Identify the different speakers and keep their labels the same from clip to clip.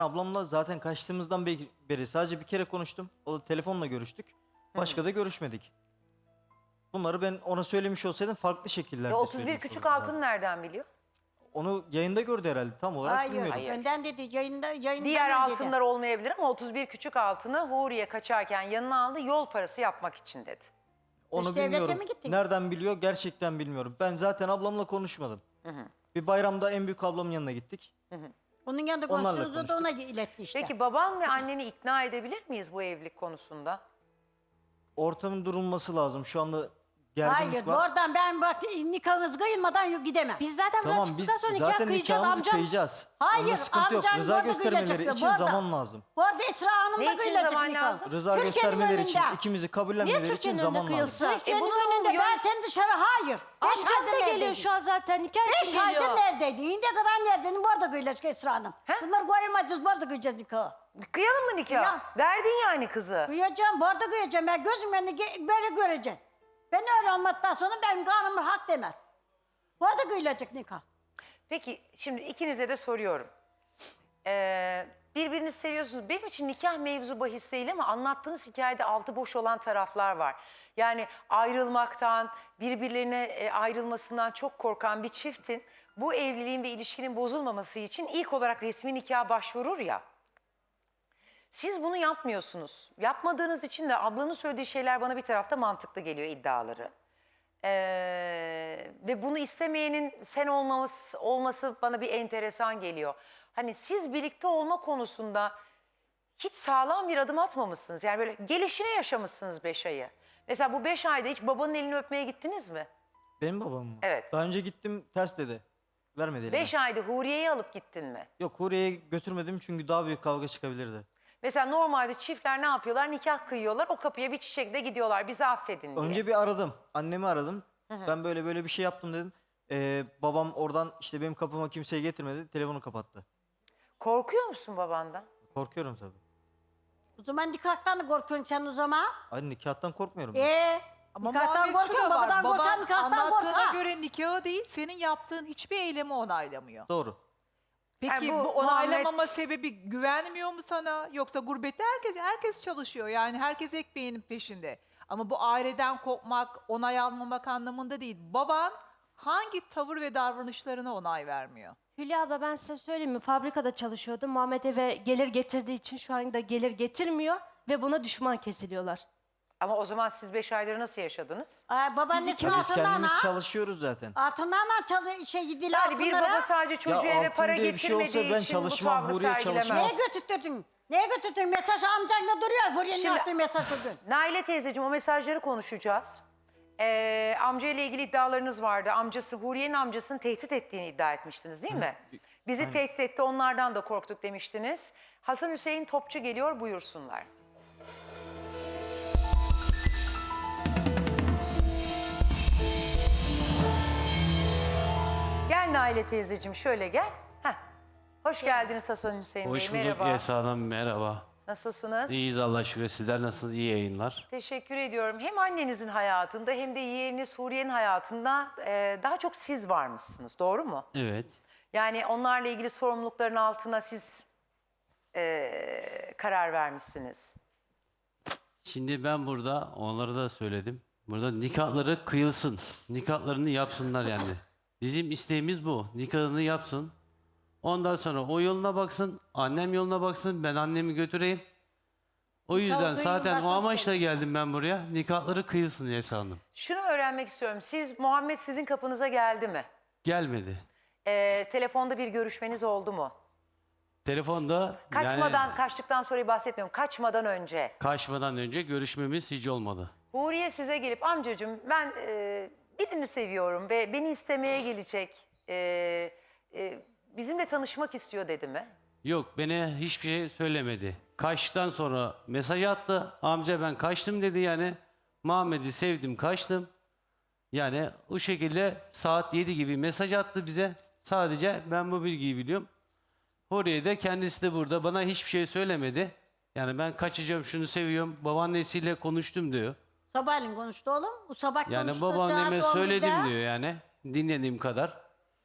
Speaker 1: Ablamla zaten kaçtığımızdan beri sadece bir kere konuştum. O da telefonla görüştük. Başka da görüşmedik. Bunları ben ona söylemiş olsaydım farklı şekillerde
Speaker 2: 31
Speaker 1: söylemiş
Speaker 2: küçük
Speaker 1: olurdum
Speaker 2: altını
Speaker 1: zaten.
Speaker 2: nereden biliyor?
Speaker 1: Onu yayında gördü herhalde, tam olarak
Speaker 3: Hayır,
Speaker 1: bilmiyorum.
Speaker 3: önden dedi yayında
Speaker 2: Diğer
Speaker 3: dedi.
Speaker 2: altınlar olmayabilir ama 31 küçük altını Huriye kaçarken yanına aldı yol parası yapmak için dedi.
Speaker 1: Onu
Speaker 3: Dış devlete
Speaker 1: bilmiyorum.
Speaker 3: mi gittin?
Speaker 1: Nereden biliyor gerçekten bilmiyorum. Ben zaten ablamla konuşmadım. Bir bayramda en büyük ablamın yanına gittik.
Speaker 3: Onun yanında
Speaker 1: Onlarla
Speaker 3: konuştuğunuzda da ona iletti işte.
Speaker 2: Peki baban ve anneni ikna edebilir miyiz bu evlilik konusunda?
Speaker 1: Ortamın durulması lazım. Şu anda gerginlik
Speaker 3: Hayır,
Speaker 1: var.
Speaker 3: oradan ben bak nikahınız kıyılmadan gidemem.
Speaker 4: Biz zaten
Speaker 1: Tamam,
Speaker 4: buradan
Speaker 1: biz
Speaker 4: çıktıktan sonra nikah
Speaker 1: zaten
Speaker 4: kıyacağız
Speaker 1: nikahımızı
Speaker 4: amcam.
Speaker 1: kıyacağız.
Speaker 3: Hayır,
Speaker 1: Onda sıkıntı yok.
Speaker 3: amcan
Speaker 1: Rıza
Speaker 3: burada
Speaker 1: göstermeleri
Speaker 3: kıyacaktı,
Speaker 1: için
Speaker 3: burada.
Speaker 1: zaman lazım.
Speaker 3: Bu arada Esra Hanım
Speaker 2: Ne
Speaker 3: da
Speaker 2: için
Speaker 3: kıyılacak
Speaker 2: zaman
Speaker 3: nikah.
Speaker 2: lazım?
Speaker 1: Rıza
Speaker 3: Türkiye'nin
Speaker 1: göstermeleri için,
Speaker 3: önünde.
Speaker 1: ikimizi
Speaker 4: Niye
Speaker 1: kabullenmeleri için
Speaker 4: Türkiye'nin
Speaker 1: zaman
Speaker 4: önünde
Speaker 1: lazım.
Speaker 4: kıyılsın?
Speaker 3: Türkiye'nin
Speaker 2: bunun
Speaker 3: önünde
Speaker 2: yön-
Speaker 3: ben seni dışarı hayır. 5
Speaker 4: Amcam
Speaker 3: aydır
Speaker 4: da geliyor
Speaker 3: neredeydin?
Speaker 4: şu an zaten nikah
Speaker 3: 5
Speaker 4: için
Speaker 3: aydır
Speaker 4: geliyor.
Speaker 3: neredeydin? İndiye kadar neredeydin? Bu arada kıyılacak Esra Hanım. Bunları koyamayacağız, bu arada kıyacağız nikahı.
Speaker 2: Kıyalım mı nikah?
Speaker 3: Kıyalım.
Speaker 2: Verdin yani kızı.
Speaker 3: Kıyacağım, bu arada kıyacağım. Ben gözüm önünde böyle göreceğim. Ben öyle olmadıktan sonra benim kanımın hak demez. Bu arada kıyılacak nikah.
Speaker 2: Peki şimdi ikinize de soruyorum. Birbirinizi seviyorsunuz. Benim için nikah mevzu bahis değil ama anlattığınız hikayede altı boş olan taraflar var. Yani ayrılmaktan, birbirlerine ayrılmasından çok korkan bir çiftin bu evliliğin ve ilişkinin bozulmaması için ilk olarak resmi nikaha başvurur ya. Siz bunu yapmıyorsunuz. Yapmadığınız için de ablanın söylediği şeyler bana bir tarafta mantıklı geliyor, iddiaları. Ve bunu istemeyenin sen olması bana bir enteresan geliyor. Hani siz birlikte olma konusunda hiç sağlam bir adım atmamışsınız. Yani böyle gelişine yaşamışsınız 5 ayı. Mesela bu 5 ayda hiç babanın elini öpmeye gittiniz mi?
Speaker 1: Benim babam mı?
Speaker 2: Evet.
Speaker 1: Daha önce gittim, ters dedi. Vermedi elime.
Speaker 2: 5 ayda Huriye'yi alıp gittin mi?
Speaker 1: Yok, Huriye'ye götürmedim çünkü daha büyük kavga çıkabilirdi.
Speaker 2: Mesela normalde çiftler ne yapıyorlar? Nikah kıyıyorlar, o kapıya bir çiçekle gidiyorlar, bizi affedin diye.
Speaker 1: Önce bir aradım. Annemi aradım. Ben böyle bir şey yaptım dedim. Babam oradan işte benim kapıma kimseyi getirmedi. Telefonu kapattı.
Speaker 2: Korkuyor musun babandan?
Speaker 1: Korkuyorum tabii.
Speaker 3: O zaman nikahtan da korkuyorsun sen o zaman.
Speaker 1: Ay, nikahtan korkmuyorum. ben.
Speaker 5: Ama
Speaker 3: Nikahtan
Speaker 5: Muhammed şu da
Speaker 3: korkuyorsun,
Speaker 5: var.
Speaker 3: babadan korkan
Speaker 5: Baban
Speaker 3: nikahtan
Speaker 5: anlattığına
Speaker 3: korkar.
Speaker 5: göre nikahı değil, senin yaptığın hiçbir eylemi onaylamıyor.
Speaker 1: Doğru.
Speaker 5: Peki
Speaker 2: Yani bu
Speaker 5: bu
Speaker 2: Muhammed-
Speaker 5: onaylamama sebebi güvenmiyor mu sana? Yoksa gurbette herkes çalışıyor. Yani herkes ekmeğinin peşinde. Ama bu aileden kopmak, onay almamak anlamında değil. Baban hangi tavır ve davranışlarına onay vermiyor?
Speaker 4: Hülya abla ben size söyleyeyim mi? Fabrikada çalışıyordum. Muhammed eve gelir getirdiği için şu anda gelir getirmiyor ve buna düşman kesiliyorlar.
Speaker 2: Ama o zaman siz 5 aydır nasıl yaşadınız?
Speaker 3: Babaannesinin
Speaker 1: Ya biz
Speaker 3: altından
Speaker 1: kendimiz
Speaker 3: ha.
Speaker 1: çalışıyoruz zaten.
Speaker 3: Altından ha gidiler
Speaker 2: Yani bir
Speaker 3: altınlara.
Speaker 2: baba sadece çocuğu
Speaker 1: Ya
Speaker 2: eve
Speaker 1: altın
Speaker 2: para
Speaker 1: diye bir şey olsa
Speaker 2: getirmediği
Speaker 1: ben
Speaker 2: için bu
Speaker 1: çalışmam,
Speaker 2: tavrı
Speaker 1: Huriye
Speaker 2: sergilemez.
Speaker 1: çalışmaz.
Speaker 3: Neye götürttün? Neye götürttün? Mesaj amcanla duruyor. Huriye'nin
Speaker 2: Şimdi-
Speaker 3: attığı mesaj o gün.
Speaker 2: Naile teyzeciğim, o mesajları konuşacağız. Amcayla ilgili iddialarınız vardı. Amcası, Huriye'nin amcasını tehdit ettiğini iddia etmiştiniz değil mi? Bizi tehdit etti, onlardan da korktuk demiştiniz. Hasan Hüseyin Topçu geliyor, buyursunlar. Gel Naile teyzeciğim, şöyle gel. Heh. Hoş geldiniz Hasan Hüseyin Bey,
Speaker 6: Hoş bulduk
Speaker 2: merhaba.
Speaker 6: Esra Hanım, merhaba.
Speaker 2: Nasılsınız?
Speaker 6: İyiyiz Allah'a şükür. Sizler nasılsınız? İyi yayınlar.
Speaker 2: Teşekkür ediyorum. Hem annenizin hayatında hem de yeğeniniz Huriye'nin hayatında daha çok siz varmışsınız. Doğru mu?
Speaker 6: Evet.
Speaker 2: Yani onlarla ilgili sorumlulukların altına siz karar vermişsiniz.
Speaker 6: Şimdi ben burada, onlara da söyledim. Burada nikahları kıyılsın. Nikahlarını yapsınlar yani. Bizim isteğimiz bu. Nikahını yapsın. Ondan sonra o yoluna baksın, annem yoluna baksın, ben annemi götüreyim. O yüzden zaten o amaçla geldim ben buraya. Nikahları kıyılsın Esra Hanım.
Speaker 2: Şunu öğrenmek istiyorum. Muhammed sizin kapınıza geldi mi?
Speaker 6: Gelmedi.
Speaker 2: Telefonda bir görüşmeniz oldu mu?
Speaker 6: Telefonda
Speaker 2: Kaçtıktan sonra bahsetmiyorum. Kaçmadan önce.
Speaker 6: kaçmadan önce görüşmemiz hiç olmadı.
Speaker 2: Huriye size gelip amcacığım ben birini seviyorum ve beni istemeye gelecek. Bizimle tanışmak istiyor dedi mi?
Speaker 6: Yok, bana hiçbir şey söylemedi. Kaçtıktan sonra mesaj attı. Amca ben kaçtım dedi yani. Muhammed'i sevdim, kaçtım. Yani o şekilde saat 7 gibi mesaj attı bize. Sadece ben bu bilgiyi biliyorum. Oraya da kendisi de burada. Bana hiçbir şey söylemedi. Yani ben kaçacağım, şunu seviyorum. Babaannesiyle konuştum diyor.
Speaker 3: Sabahleyin konuştu oğlum. Bu sabah
Speaker 6: Yani
Speaker 3: konuştu.
Speaker 6: babaanneme
Speaker 3: saat 11'de.
Speaker 6: söyledim diyor yani. Dinlediğim kadar.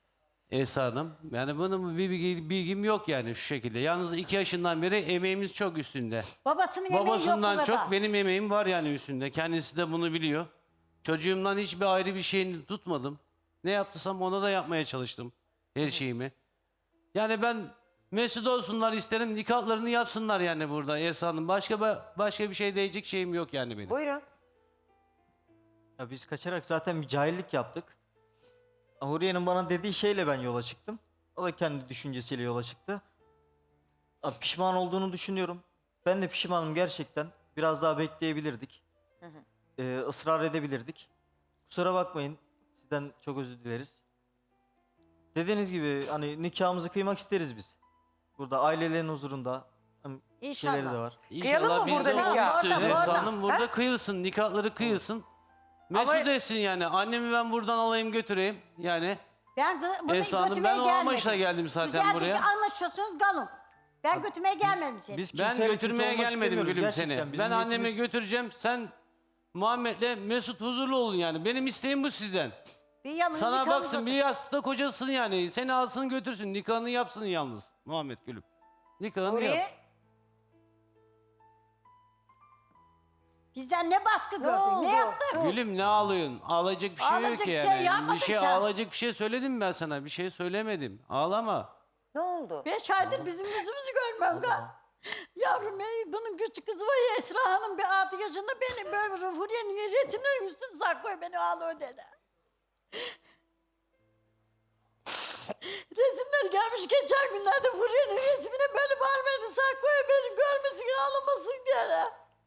Speaker 6: Esra Hanım. Yani bunun bir bilgim yok yani şu şekilde. Yalnız 2 yaşından beri emeğimiz çok üstünde.
Speaker 3: Babasının yemeği yok bu
Speaker 6: Babasından
Speaker 3: kadar.
Speaker 6: çok benim emeğim var yani üstünde. Kendisi de bunu biliyor. Çocuğumdan hiçbir ayrı bir şeyini tutmadım. Ne yaptıysam ona da yapmaya çalıştım. Her şeyimi. Yani ben mesut olsunlar isterim. Nikahlarını yapsınlar yani burada Esra Hanım. Başka bir şey diyecek şeyim yok yani benim.
Speaker 2: Buyurun.
Speaker 1: Ya biz kaçarak zaten bir cahillik yaptık. Huriye'nin bana dediği şeyle ben yola çıktım. O da kendi düşüncesiyle yola çıktı. Ya pişman olduğunu düşünüyorum. Ben de pişmanım gerçekten. Biraz daha bekleyebilirdik. Israr edebilirdik. Kusura bakmayın. Sizden çok özür dileriz. Dediğiniz gibi hani nikahımızı kıymak isteriz biz. Burada ailelerin huzurunda. Hem
Speaker 3: İnşallah.
Speaker 1: şeyleri de var.
Speaker 2: Kıyalım mı
Speaker 6: İnşallah biz
Speaker 2: burada
Speaker 6: de onu
Speaker 2: nikah?
Speaker 6: istiyoruz
Speaker 3: Orada,
Speaker 6: Esra
Speaker 3: orada.
Speaker 6: Hanım. Burada kıyılsın. Nikahları kıyılsın. Mesut
Speaker 2: Ama-
Speaker 6: etsin yani. Annemi ben buradan alayım götüreyim. Yani
Speaker 3: Ben bunu
Speaker 6: Esra Hanım,
Speaker 3: götürmeye
Speaker 6: ben o
Speaker 3: gelmedim.
Speaker 6: amaçla geldim zaten
Speaker 3: Güzelce
Speaker 6: buraya.
Speaker 3: anlaşıyorsunuz kalın. Ben götürmeye gelmedim seni.
Speaker 1: Biz
Speaker 6: ben
Speaker 1: kimseyle
Speaker 6: götürmeye
Speaker 1: kötü olmak
Speaker 6: gelmedim
Speaker 1: istemiyoruz.
Speaker 6: gülüm
Speaker 1: Gerçekten
Speaker 6: seni.
Speaker 1: bizim
Speaker 6: Ben annemi
Speaker 1: niyetimiz-
Speaker 6: götüreceğim. Sen Muhammed'le Mesut huzurlu olun yani. Benim isteğim bu sizden.
Speaker 3: Bir yanını
Speaker 6: Sana
Speaker 3: nikahımız
Speaker 6: baksın
Speaker 3: oldu.
Speaker 6: bir yastıkta kocasın yani. Seni alsın götürsün. Nikahını yapsın yalnız Muhammed gülüm. Nikahını yap.
Speaker 2: Huriye.
Speaker 3: Bizden ne baskı gördün?
Speaker 2: oldu?
Speaker 3: Ne yaptın?
Speaker 6: Gülüm ne ağlıyorsun? Ağlayacak bir şey yok
Speaker 3: Ağlayacak
Speaker 6: ki
Speaker 3: bir
Speaker 6: yani.
Speaker 3: şey yapmadın
Speaker 6: bir şey
Speaker 3: sen.
Speaker 6: ağlayacak bir şey söyledim ben sana. Bir şey söylemedim. Ağlama.
Speaker 2: Ne oldu?
Speaker 3: 5 aydır bizim yüzümüzü görmem ga. Yavrum bunun küçük kızı var ya Esra Hanım bir 6 yaşında beni böyle Huriye'nin resimlerin üstüne saklıyor beni ağlıyor dedi. Resimler gelmiş geçen günlerde Huriye'nin resmine böyle bağırmadı saklıyor beni görmesin ağlamasın diye.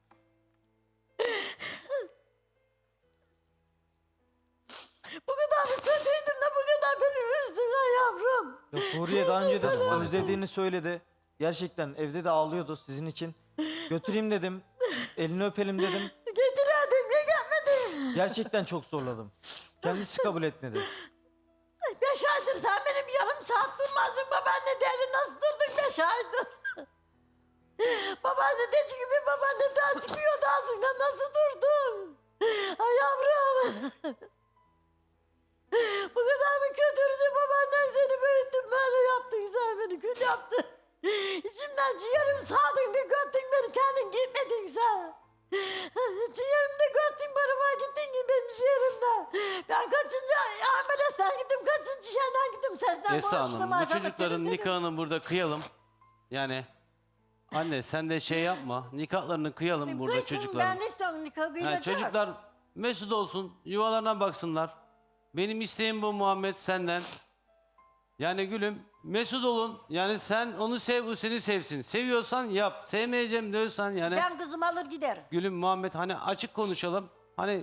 Speaker 3: Bu kadar mı kötüydüm de bu kadar beni üzdün ha yavrum.
Speaker 1: Yok, Huriye daha önce de özlediğini söyledi. Gerçekten evde de ağlıyordu sizin için. Götüreyim dedim. Elini öpelim dedim.
Speaker 3: Getirerdim niye gelmedin?
Speaker 1: Gerçekten çok zorladım. Kendisi kabul etmedi.
Speaker 3: 5 aydır sen benim yarım saat durmazdın babaanne deri nasıl durdun 5 aydır? Babaanne de gibi babaanne daha çıkıyordu ağzından nasıl durdun? Ay yavrum. Bu kadar mı kötüydü babaannen seni büyüttün böyle yaptın sen beni kül yaptın. İçimden ciğerim sağdın bir göttün beni kendin gitmedin sen. Ciğerimde göttün barıma gittin ki benim ciğerimde. Ben kaçıncı ambulanstan gittim kaçıncı şeyden gittim sesten
Speaker 6: Esra
Speaker 3: konuştum.
Speaker 6: Hanım bu
Speaker 3: arkada
Speaker 6: çocukların
Speaker 3: dedim, dedim.
Speaker 6: nikahını burada kıyalım. Yani anne sen de şey yapma. Nikahlarını kıyalım burada
Speaker 3: Kıysın,
Speaker 6: çocukların.
Speaker 3: Ben de istiyorum nikahı
Speaker 6: Yani
Speaker 3: kıyılacak.
Speaker 6: çocuklar mesut olsun, yuvalarına baksınlar. Benim isteğim bu Muhammed senden. Yani gülüm mesut olun. Yani sen onu sev, o seni sevsin. Seviyorsan yap. Sevmeyeceğim diyorsan yani.
Speaker 3: Ben kızımı alır giderim.
Speaker 6: Gülüm Muhammed hani açık konuşalım. Hani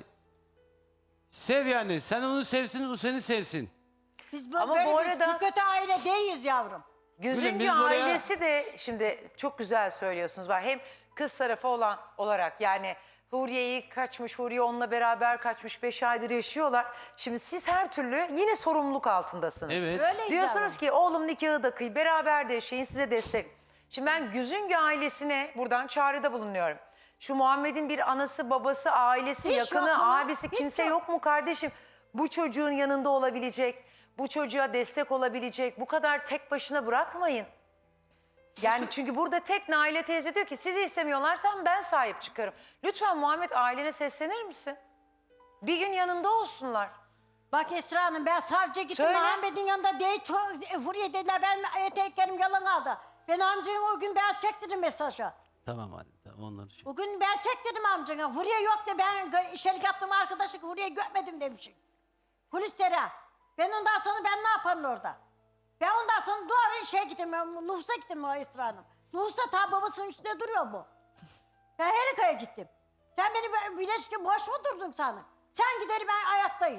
Speaker 6: sev yani. Sen onu sevsin, o seni sevsin.
Speaker 3: Biz bu,
Speaker 2: Ama
Speaker 3: böyle
Speaker 2: bu
Speaker 3: biz
Speaker 2: arada-
Speaker 3: bir kötü aile değiliz yavrum.
Speaker 2: Güzüngü
Speaker 6: biz buraya-
Speaker 2: ailesi de şimdi çok güzel söylüyorsunuz. Var. Hem kız tarafı olan olarak yani Huriye'yi kaçmış, Huriye onunla beraber kaçmış 5 aydır yaşıyorlar. Şimdi siz her türlü yine sorumluluk altındasınız.
Speaker 6: Evet.
Speaker 3: Öyleyiz
Speaker 2: Diyorsunuz
Speaker 3: yavrum.
Speaker 2: ki oğlum nikahı da kıy, beraber de yaşayın, size destek. Şimdi ben Güzüngü ailesine buradan çağrıda bulunuyorum. Şu Muhammed'in bir anası, babası, ailesi,
Speaker 3: Hiç
Speaker 2: yakını,
Speaker 3: yok mu?
Speaker 2: abisi
Speaker 3: Hiç
Speaker 2: kimse
Speaker 3: yok.
Speaker 2: yok mu kardeşim? Bu çocuğun yanında olabilecek, bu çocuğa destek olabilecek, bu kadar tek başına bırakmayın. Yani çünkü burada tek Naile teyze diyor ki sizi istemiyorlarsa ben sahip çıkarım. Lütfen Muhammed ailene seslenir misin? Bir gün yanında olsunlar.
Speaker 3: Bak Esra Hanım ben savcıya gittim
Speaker 2: Söyle.
Speaker 3: Muhammed'in yanında değil. Huriye dediler benim eteklerim yalan aldı. Ben amcayım o gün ben çektirdim mesajı.
Speaker 6: Tamam anne. Tamam onları şey.
Speaker 3: O gün ben çektirdim amcana. Huriye yok de ben işerik yaptım arkadaşlık Huriye görmedim demişim. Polislere. Ben ondan sonra ben ne yaparım orada? Ben ondan sonra doğru şeye gittim. Nuhus'a gittim o Esra Hanım. Nuhus'ta ta babasının üstünde duruyor bu. Ben Herika'ya gittim. Sen beni bileşki boş mu durdun sana? Sen gideri ben ayaktayım.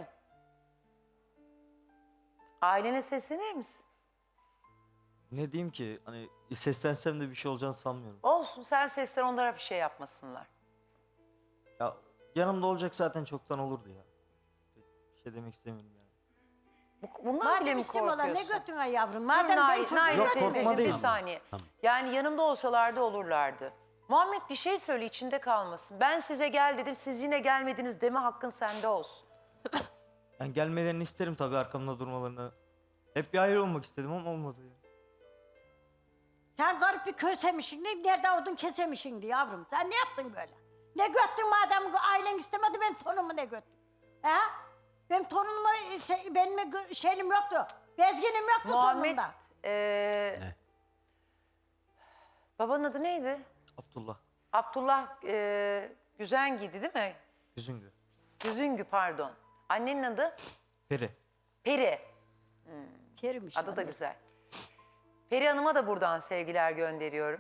Speaker 2: Ailene seslenir misin?
Speaker 1: Ne diyeyim ki hani seslensem de bir şey olacağını sanmıyorum.
Speaker 2: Olsun sen seslen onlara bir şey yapmasınlar.
Speaker 1: Ya yanımda olacak zaten çoktan olurdu ya. Bir şey demek istemiyorum yani.
Speaker 2: Bundan bile
Speaker 3: Madem
Speaker 2: mi
Speaker 3: istemiyorlar ne
Speaker 2: korkuyorsun?
Speaker 3: götün ay yavrum?
Speaker 2: Dur
Speaker 3: Madem ben
Speaker 2: Nail,
Speaker 3: çocuğum
Speaker 2: Nail
Speaker 1: Yok,
Speaker 2: teyzeciğim
Speaker 1: korkma
Speaker 2: bir
Speaker 1: değil.
Speaker 2: saniye. Yani yanımda olsalardı olurlardı. Muhammed bir şey söyle içinde kalmasın. Ben size gel dedim siz yine gelmediniz deme hakkın sende olsun.
Speaker 1: Ben gelmelerini isterim tabii arkamda durmalarını. Hep bir ayrı olmak istedim ama olmadı yani.
Speaker 3: Sen garip bir kösemişsin. Nerede odun kesemişsin diye yavrum. Sen ne yaptın böyle? Ne göttün madem ailen istemedi benim torunumu ne göttün? He? Benim torunuma benim şeyim yoktu. Bezginim yoktu
Speaker 2: Muhammed,
Speaker 3: torunumda.
Speaker 2: babanın adı neydi?
Speaker 1: Abdullah.
Speaker 2: Abdullah Güzengiydi değil mi?
Speaker 1: Üzüngü.
Speaker 2: Güzüngü pardon. Annenin adı?
Speaker 1: Peri.
Speaker 2: Peri.
Speaker 3: Kerimmiş.
Speaker 2: Adı da güzel. Peri Hanım'a da buradan sevgiler gönderiyorum.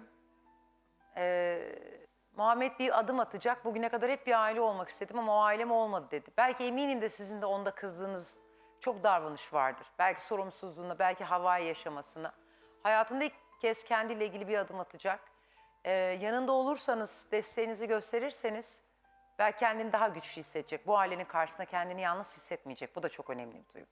Speaker 2: Muhammed bir adım atacak. Bugüne kadar hep bir aile olmak istedim ama o ailem olmadı dedi. Belki eminim de sizin de onda kızdığınız çok davranış vardır. Belki sorumsuzluğuna, belki havai yaşamasına. Hayatında ilk kez kendiyle ilgili bir adım atacak. Yanında olursanız, desteğinizi gösterirseniz belki kendini daha güçlü hissedecek. Bu ailenin karşısında kendini yalnız hissetmeyecek. Bu da çok önemli bir duygu.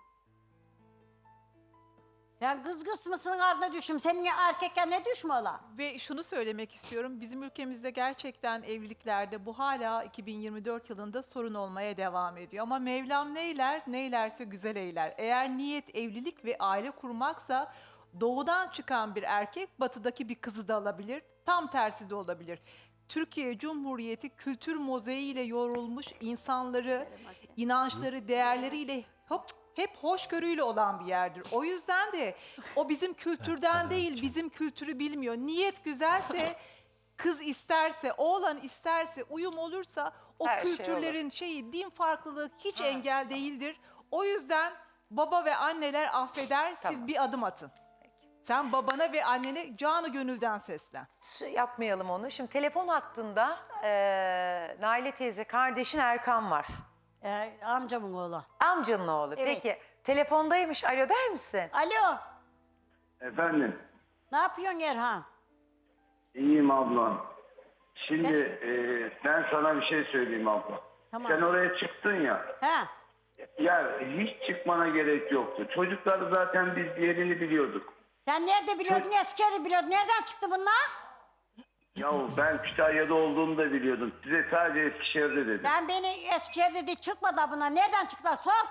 Speaker 3: Sen kız kısmısının ardına düşüm. Senin erkekken ne düşme ola?
Speaker 5: Ve şunu söylemek istiyorum. Bizim ülkemizde gerçekten evliliklerde bu hala 2024 yılında sorun olmaya devam ediyor. Ama Mevlam neyler, neylerse güzel eyler. Eğer niyet evlilik ve aile kurmaksa doğudan çıkan bir erkek batıdaki bir kızı da alabilir. Tam tersi de olabilir. Türkiye Cumhuriyeti kültür mozaiğiyle yorulmuş insanları, inançları, değerleriyle hep hoşgörüyle olan bir yerdir. O yüzden de o bizim kültürden değil, bizim kültürü bilmiyor. Niyet güzelse, kız isterse, oğlan isterse, uyum olursa o
Speaker 2: Her şey
Speaker 5: kültürlerin din farklılığı hiç engel değildir. O yüzden baba ve anneler affeder,
Speaker 2: Tamam.
Speaker 5: siz bir adım atın. Sen babana ve annene canı gönülden seslen.
Speaker 2: Yapmayalım onu. Şimdi telefon hattında Naile teyze kardeşin Erkan var.
Speaker 3: Amcamın oğlu.
Speaker 2: Amcanın oğlu.
Speaker 3: Evet.
Speaker 2: Peki telefondaymış. Alo der misin?
Speaker 3: Alo.
Speaker 7: Efendim,
Speaker 3: Ne yapıyorsun Erhan?
Speaker 7: iyiyim ablam. Şimdi ben sana bir şey söyleyeyim abla.
Speaker 3: Tamam.
Speaker 7: Sen oraya çıktın ya,
Speaker 3: He?
Speaker 7: ya hiç çıkmana gerek yoktu. Çocuklar zaten biz yerini biliyorduk.
Speaker 3: Sen nerede biliyordun? Eskişehir'i biliyordun. Nereden çıktı bunlar?
Speaker 7: Yahu ben Kütahya'da olduğumu da biliyordum. Size sadece Eskişehir'de dedim.
Speaker 3: Sen beni Eskişehir'de de çıkmadı bunlar. Nereden çıktılar? Sor.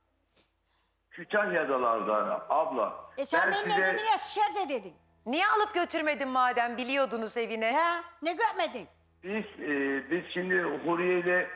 Speaker 7: Kütahya'dalardı abla.
Speaker 3: Sen
Speaker 7: ben
Speaker 3: beni ne dedin? Eskişehir'de dedin.
Speaker 2: Niye alıp götürmedin madem biliyordunuz evine?
Speaker 3: He? Ne görmedin?
Speaker 7: Biz şimdi Huriye ile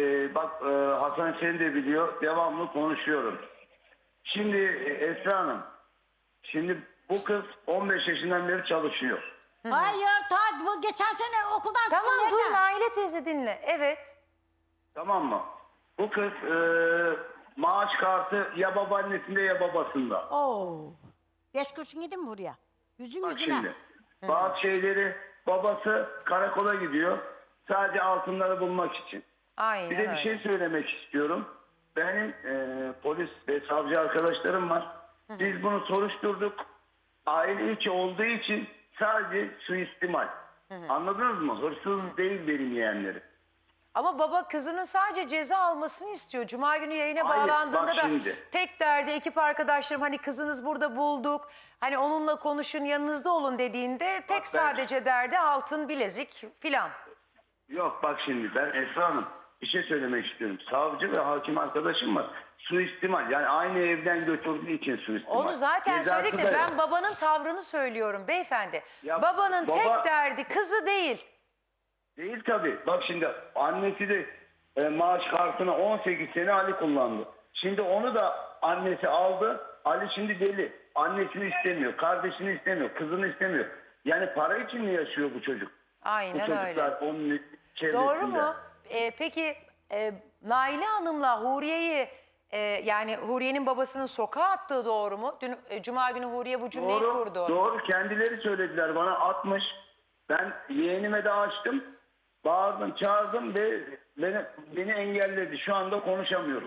Speaker 7: Hasan seni de biliyor. Devamlı konuşuyorum. Şimdi Esra Hanım. Şimdi bu kız 15 yaşından beri çalışıyor.
Speaker 3: Hayır. Bu geçen sene okuldan çıktı.
Speaker 2: Tamam dur
Speaker 3: nereden?
Speaker 2: Naile teyze dinle. Evet.
Speaker 7: Tamam mı? Bu kız maaş kartı ya babaannesinde ya babasında.
Speaker 3: Oo. 5 kurşun yedin mi buraya? Yüzün
Speaker 7: Bak
Speaker 3: yüzüne.
Speaker 7: şimdi. Bazı şeyleri babası karakola gidiyor. Sadece altınları bulmak için.
Speaker 2: Aynen
Speaker 7: Bir de
Speaker 2: öyle.
Speaker 7: bir şey söylemek istiyorum. Benim polis ve savcı arkadaşlarım var. Biz bunu soruşturduk. Aile içi olduğu için sadece suistimal. Anladınız mı? Hırsız değil benim yeğenlerim.
Speaker 2: Ama baba kızının sadece ceza almasını istiyor. Cuma günü yayına
Speaker 7: Hayır,
Speaker 2: bağlandığında
Speaker 7: bak
Speaker 2: da
Speaker 7: şimdi.
Speaker 2: tek derdi ekip arkadaşlarım hani kızınız burada bulduk. Hani onunla konuşun yanınızda olun dediğinde tek
Speaker 7: ben-
Speaker 2: sadece derdi altın bilezik filan.
Speaker 7: Yok bak şimdi ben Esra Hanım bir şey söylemek istiyorum. Savcı ve hakim arkadaşım var. Suistimal yani aynı evden götürdüğü için suistimal.
Speaker 2: Onu zaten
Speaker 7: Cezası
Speaker 2: söyledik
Speaker 7: da
Speaker 2: de ben
Speaker 7: yok.
Speaker 2: babanın tavrını söylüyorum beyefendi.
Speaker 7: Ya
Speaker 2: Babanın
Speaker 7: baba-
Speaker 2: tek derdi kızı değil.
Speaker 7: Değil tabii. Bak şimdi annesi de maaş kartını 18 sene Ali kullandı. Şimdi onu da annesi aldı. Ali şimdi deli. Annesini istemiyor, kardeşini istemiyor, kızını istemiyor. Yani para için mi yaşıyor bu çocuk? Bu
Speaker 2: Aynen
Speaker 7: çocuklar
Speaker 2: öyle.
Speaker 7: onun çevresinde.
Speaker 2: Doğru mu? Peki Naile Hanım'la Huriye'yi yani Huriye'nin babasının sokağa attığı doğru mu? Dün Cuma günü Huriye bu cümleyi kurdu.
Speaker 7: Doğru. Kendileri söylediler bana 60. Ben yeğenime de açtım. Bağırdım, çağırdım ve beni engelledi. Şu anda konuşamıyoruz.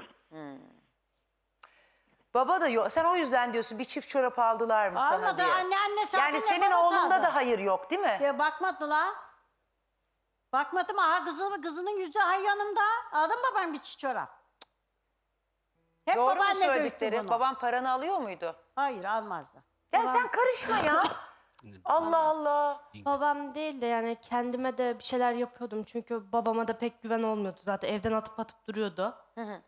Speaker 2: Baba da yok. Sen o yüzden diyorsun bir çift çorap aldılar mı sana
Speaker 3: Almadı.
Speaker 2: diye.
Speaker 3: Annesi
Speaker 2: Yani senin oğlunda da hayır yok değil mi?
Speaker 3: Bakmadı la. Bakmadım. Aha kızının yüzü hay yanımda. Aldın babam bir çift çorap. Hep
Speaker 2: Doğru mu
Speaker 3: babaanne büyüttü
Speaker 2: söyledikleri?
Speaker 3: bunu.
Speaker 2: Baban paranı alıyor muydu?
Speaker 3: Hayır almazdı.
Speaker 2: Ya sen karışma ya. Allah Allah.
Speaker 4: Babam değil de yani kendime de bir şeyler yapıyordum. Çünkü babama da pek güven olmuyordu zaten. Evden atıp duruyordu.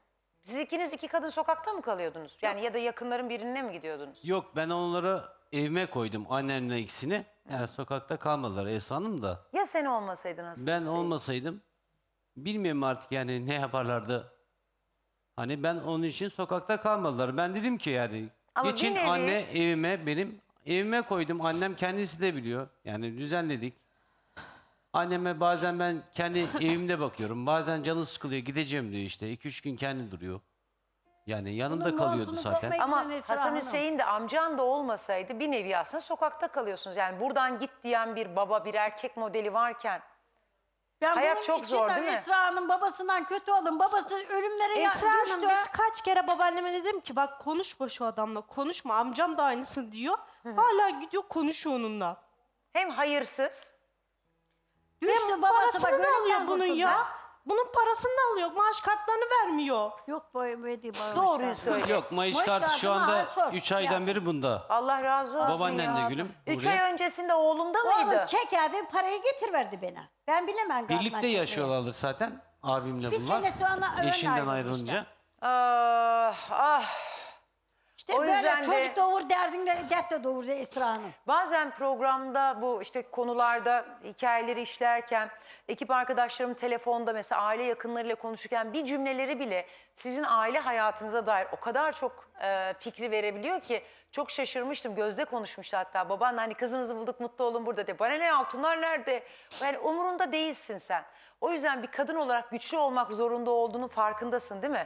Speaker 2: Siz ikiniz iki kadın sokakta mı kalıyordunuz? Yani ya da yakınların birine mi gidiyordunuz?
Speaker 6: Yok, ben onları evime koydum, annemle ikisini. Yani sokakta kalmadılar Esra Hanım da.
Speaker 2: Ya sen olmasaydın nasıl?
Speaker 6: Ben olmasaydım bilmiyorum artık yani ne yaparlardı. Hani ben onun için sokakta kalmadılar. Ben dedim ki yani
Speaker 2: Ama
Speaker 6: geçin
Speaker 2: bir nevi-
Speaker 6: anne evime, benim evime koydum. Annem kendisi de biliyor. Yani düzenledik. Anneme bazen ben kendi evimde bakıyorum. Bazen canı sıkılıyor, gideceğim diyor işte. 2-3 gün kendi duruyor. Yani yanımda
Speaker 3: Bunun
Speaker 6: kalıyordu
Speaker 3: montunu
Speaker 6: zaten.
Speaker 3: toplayıp
Speaker 2: Ama
Speaker 3: Esra
Speaker 2: Hasan
Speaker 3: Hanım.
Speaker 2: Hüseyin de amcan da olmasaydı bir nevi aslında sokakta kalıyorsunuz. Yani buradan git diyen bir baba, bir erkek modeli varken
Speaker 3: Ben
Speaker 2: hayat
Speaker 3: bunun
Speaker 2: çok zor,
Speaker 3: için
Speaker 2: değil mi?
Speaker 3: Esra'nın babasından kötü oldum. Babası ölümlere
Speaker 4: Esra Hanım
Speaker 3: düştü.
Speaker 4: biz kaç kere babaanneme dedim ki bak konuşma şu adamla konuşma amcam da aynısını diyor. Hala gidiyor konuşuyor onunla.
Speaker 2: hem hayırsız
Speaker 3: Düştü
Speaker 4: Hem
Speaker 3: babası
Speaker 4: parasını
Speaker 3: bak
Speaker 4: da
Speaker 3: ölümden
Speaker 4: alıyor bunun
Speaker 3: kurtuldu.
Speaker 4: ya. Bunun parasını da alıyor. Maaş kartlarını vermiyor.
Speaker 3: Yok bu ödedi bana.
Speaker 2: doğruyu söyle.
Speaker 6: Yok, Mayıs
Speaker 3: Boş
Speaker 6: kartı
Speaker 3: ver,
Speaker 6: şu
Speaker 3: bana
Speaker 6: anda
Speaker 3: sor.
Speaker 6: 3 aydan
Speaker 3: Ya.
Speaker 6: beri bunda.
Speaker 2: Allah razı olsun
Speaker 6: Babaannen
Speaker 2: ya.
Speaker 6: de gülüm,
Speaker 2: 3
Speaker 6: Nuriye.
Speaker 2: ay öncesinde oğlunda mıydı?
Speaker 3: Oğlum çekerdi parayı getirverdi bana. Ben bilemem. gazdan
Speaker 6: Birlikte
Speaker 3: çıkmayı.
Speaker 6: yaşıyorlardır zaten abimle
Speaker 3: Bir
Speaker 6: bunlar.
Speaker 3: sene sonra ön
Speaker 6: Eşinden
Speaker 3: ayrıldı
Speaker 6: ayrılınca.
Speaker 3: işte.
Speaker 2: Ah.
Speaker 3: İşte
Speaker 2: O
Speaker 3: böyle
Speaker 2: yüzden de-
Speaker 3: çocuk doğur derdinde dert de doğur Esra Hanım.
Speaker 2: Bazen programda bu işte konularda hikayeleri işlerken ekip arkadaşlarım telefonda mesela aile yakınlarıyla konuşurken bir cümleleri bile sizin aile hayatınıza dair o kadar çok fikri verebiliyor ki çok şaşırmıştım. Gözde konuşmuştu hatta babaanne hani kızınızı bulduk mutlu olun burada diye. Bana ne altınlar nerede? Yani umurunda değilsin sen. O yüzden bir kadın olarak güçlü olmak zorunda olduğunun farkındasın değil mi?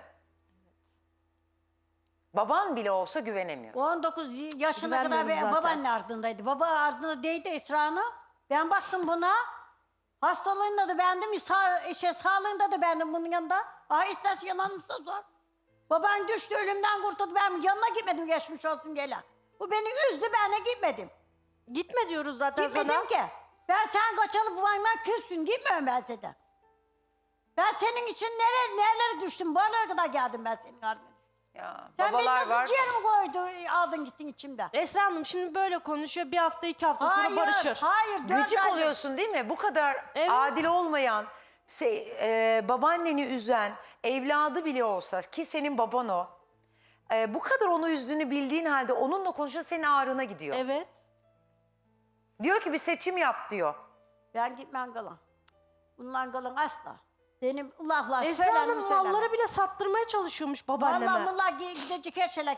Speaker 2: Baban bile olsa güvenemiyorsun.
Speaker 3: 19 yaşına kadar
Speaker 4: Güvenmiyorum zaten.
Speaker 3: babaanne ardındaydı. Baba ardında değdi Esra Hanım. Ben baktım buna. Hastalığında da bendim, sağlığında da bendim bunun yanında. İsterse yanılmışsa zor. Baban düştü, ölümden kurtuldu. Ben yanına gitmedim geçmiş olsun gele. Bu beni üzdü, ben de gitmedim.
Speaker 4: Gitme diyoruz zaten
Speaker 3: Gitmedim
Speaker 4: sana.
Speaker 3: ki. Ben sen kaçalı bu bana küssün, gitmiyorum ben senden. Ben senin için nerelere düştüm, bu aralara kadar geldim ben senin ardına.
Speaker 2: Ya,
Speaker 3: Sen beni
Speaker 2: babalar
Speaker 3: nasıl
Speaker 2: var.
Speaker 3: ciğerimi koydu, aldın gittin içimden.
Speaker 4: Esra Hanım şimdi böyle konuşuyor. Bir hafta 2 hafta sonra barışır.
Speaker 3: Hayır, 4
Speaker 2: Gıcık
Speaker 3: aydır.
Speaker 2: oluyorsun değil mi? Bu kadar
Speaker 4: Evet.
Speaker 2: adil olmayan, babaanneni üzen, evladı bile olsa ki senin baban o. Bu kadar onu üzdüğünü bildiğin halde onunla konuşunca senin ağrına gidiyor.
Speaker 4: Evet.
Speaker 2: Diyor ki bir seçim yap diyor.
Speaker 3: Ben gitmem kalan. Bunlar kalan asla. Benim laflar
Speaker 4: Esra Hanım malları bile sattırmaya çalışıyormuş babaanneme.
Speaker 3: Vallahi bunlar gidecek her şeyler.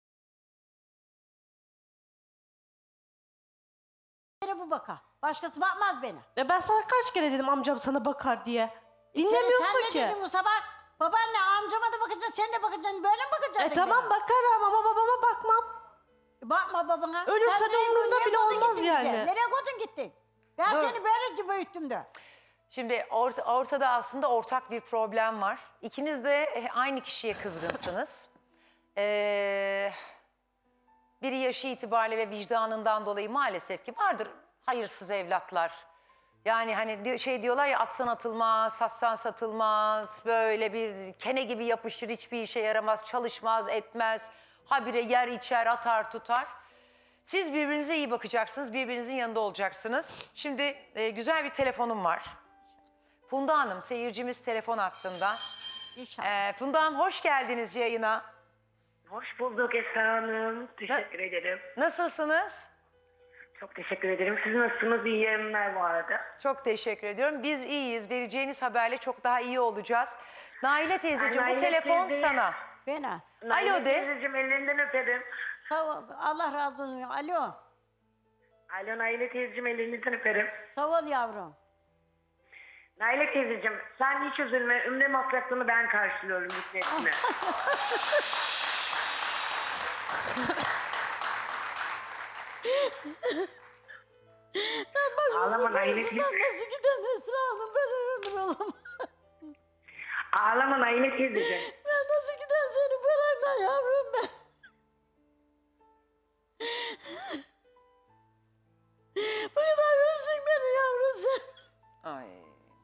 Speaker 3: Bu bakar. Başkası bakmaz beni.
Speaker 4: Ben sana kaç kere dedim amcam sana bakar diye.
Speaker 3: Sen
Speaker 4: Dinlemiyorsun
Speaker 3: ne
Speaker 4: ki.
Speaker 3: dedin bu sabah? Babaanne amcama da bakacaksın, sen de bakacaksın. Böyle mi bakacaksın?
Speaker 4: Tamam
Speaker 3: bana?
Speaker 4: bakarım ama babama bakmam.
Speaker 3: Bakma babana.
Speaker 4: Ölürse
Speaker 3: Sen
Speaker 4: de
Speaker 3: nereye-
Speaker 4: umurumda
Speaker 3: nereye
Speaker 4: bile
Speaker 3: koydun
Speaker 4: olmaz
Speaker 3: gittin
Speaker 4: yani.
Speaker 3: bize? Nereye koydun gittin? Ben
Speaker 2: Dur.
Speaker 3: seni böylece büyüttüm de.
Speaker 2: Şimdi ortada aslında ortak bir problem var. İkiniz de aynı kişiye kızgınsınız. Biri yaşı itibariyle ve vicdanından dolayı maalesef ki vardır hayırsız evlatlar. Yani hani diyorlar ya atsan atılmaz, satsan satılmaz, böyle bir kene gibi yapışır, hiçbir işe yaramaz, çalışmaz, etmez. Habire yer içer, atar tutar. Siz birbirinize iyi bakacaksınız, birbirinizin yanında olacaksınız. Şimdi güzel bir telefonum var. Funda Hanım, seyircimiz telefon hattında.
Speaker 3: İnşallah.
Speaker 2: Funda Hanım hoş geldiniz yayına.
Speaker 8: Hoş bulduk Esra Hanım. Teşekkür ederim.
Speaker 2: Nasılsınız?
Speaker 8: Çok teşekkür ederim. Siz nasılsınız? İyi yayınlar bu arada.
Speaker 2: Çok teşekkür ediyorum. Biz iyiyiz. Vereceğiniz haberle çok daha iyi olacağız. Naile teyzeciğim bu
Speaker 8: Naile
Speaker 2: telefon
Speaker 8: teyze.
Speaker 2: sana.
Speaker 3: Bana.
Speaker 8: Naile
Speaker 2: Alo de.
Speaker 8: teyzeciğim ellerinden öperim.
Speaker 3: Sağ ol. Allah razı olsun. Alo.
Speaker 8: Alo Naile teyzeciğim ellerinizden öperim.
Speaker 3: Sağ ol yavrum.
Speaker 8: Naile teyzeciğim sen hiç üzülme. Ümre masraflarını ben karşılıyorum hükmetine. Ağlama Naile teyze.
Speaker 3: Nasıl giden Esra Hanım? Ben ömür olamam.
Speaker 8: Ağlama Naile teyzeciğim.
Speaker 3: Ben nasıl giden senin paranla yavrum ben? Bu kadar üzdün beni yavrum sen.
Speaker 2: Ay.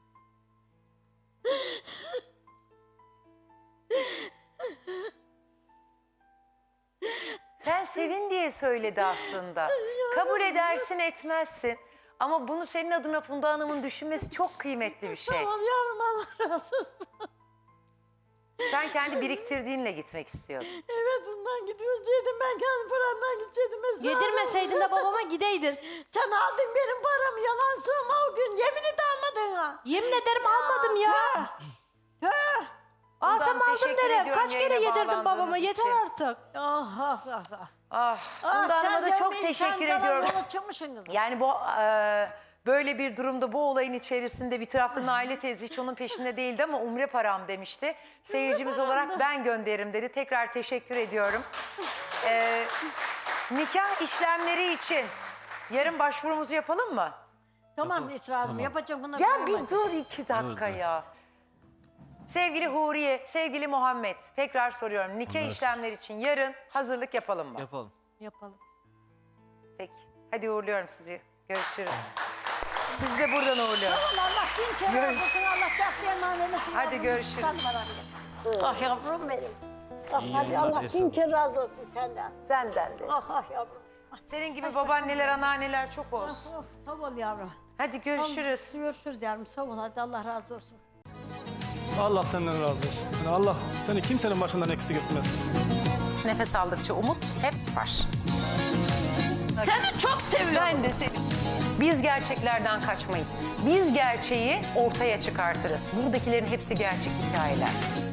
Speaker 2: Sen sevin diye söyledi aslında. Kabul edersin etmezsin. Ama bunu senin adına Funda Hanım'ın düşünmesi çok kıymetli bir şey.
Speaker 3: Tamam yavrum Allah razı olsun.
Speaker 2: Sen kendi biriktirdiğinle gitmek istiyordun.
Speaker 3: Evet bundan gidiyordum. Ben kendi paramdan gidecektim. Esra Hanım.
Speaker 4: Yedirmeseydin de babama gideydin.
Speaker 3: Sen aldın benim paramı. Yalan söyleme o gün. Yemin et almadın ha.
Speaker 4: Yemin ederim almadım ya.
Speaker 3: Tüh.
Speaker 4: Alsam aldım
Speaker 2: teşekkür
Speaker 4: derim.
Speaker 2: ediyorum
Speaker 4: Kaç kere
Speaker 2: yayına
Speaker 4: yedirdim babama,
Speaker 2: bağlandığınız
Speaker 4: yeter
Speaker 2: için.
Speaker 4: artık.
Speaker 3: Ah ah ah ah.
Speaker 2: Ah, Funda Hanım'a da çok teşekkür ediyorum.
Speaker 3: Çıkmışsınız.
Speaker 2: Yani bu böyle bir durumda bu olayın içerisinde bir tarafta Naile teyze hiç onun peşinde değildi ama umre param demişti. Seyircimiz olarak ben gönderirim dedi. Tekrar teşekkür ediyorum. Nikah işlemleri için yarın başvurumuzu yapalım mı?
Speaker 3: Tamam Esra Hanım yapacağım bunları.
Speaker 2: Ya bir dur 2 dakika ya. Sevgili Huriye, sevgili Muhammed tekrar soruyorum. Nikah işlemleri için yarın hazırlık yapalım mı?
Speaker 1: Yapalım.
Speaker 4: Yapalım.
Speaker 2: Peki. Hadi uğurluyorum sizi. Görüşürüz. Sizi de buradan uğurluyorum.
Speaker 3: Allah bin kere
Speaker 2: Görüş-
Speaker 3: olsun. Allah katlayan vermesin.
Speaker 2: Hadi
Speaker 3: yavrum.
Speaker 2: görüşürüz.
Speaker 3: Sen merak etme. Ah yavrum benim. Ah
Speaker 6: İyi
Speaker 3: hadi
Speaker 6: yayınlar
Speaker 3: Allah
Speaker 6: Esra
Speaker 3: bin
Speaker 6: Hanım.
Speaker 3: kere razı olsun senden.
Speaker 2: Senden de.
Speaker 3: Ah ah yavrum.
Speaker 2: Senin gibi babaanneler, anneanneler çok
Speaker 3: Ah,
Speaker 2: olsun.
Speaker 3: oh, sağ ol yavrum.
Speaker 2: Hadi görüşürüz.
Speaker 3: Görüşürüz yavrum. Sağ ol hadi Allah razı olsun.
Speaker 9: Allah senden razı olsun. Yani Allah seni kimsenin başından eksik etmez.
Speaker 2: Nefes aldıkça umut hep var.
Speaker 3: Seni çok seviyorum.
Speaker 2: Ben de seni. Biz gerçeklerden kaçmayız. Biz gerçeği ortaya çıkartırız. Buradakilerin hepsi gerçek hikayeler.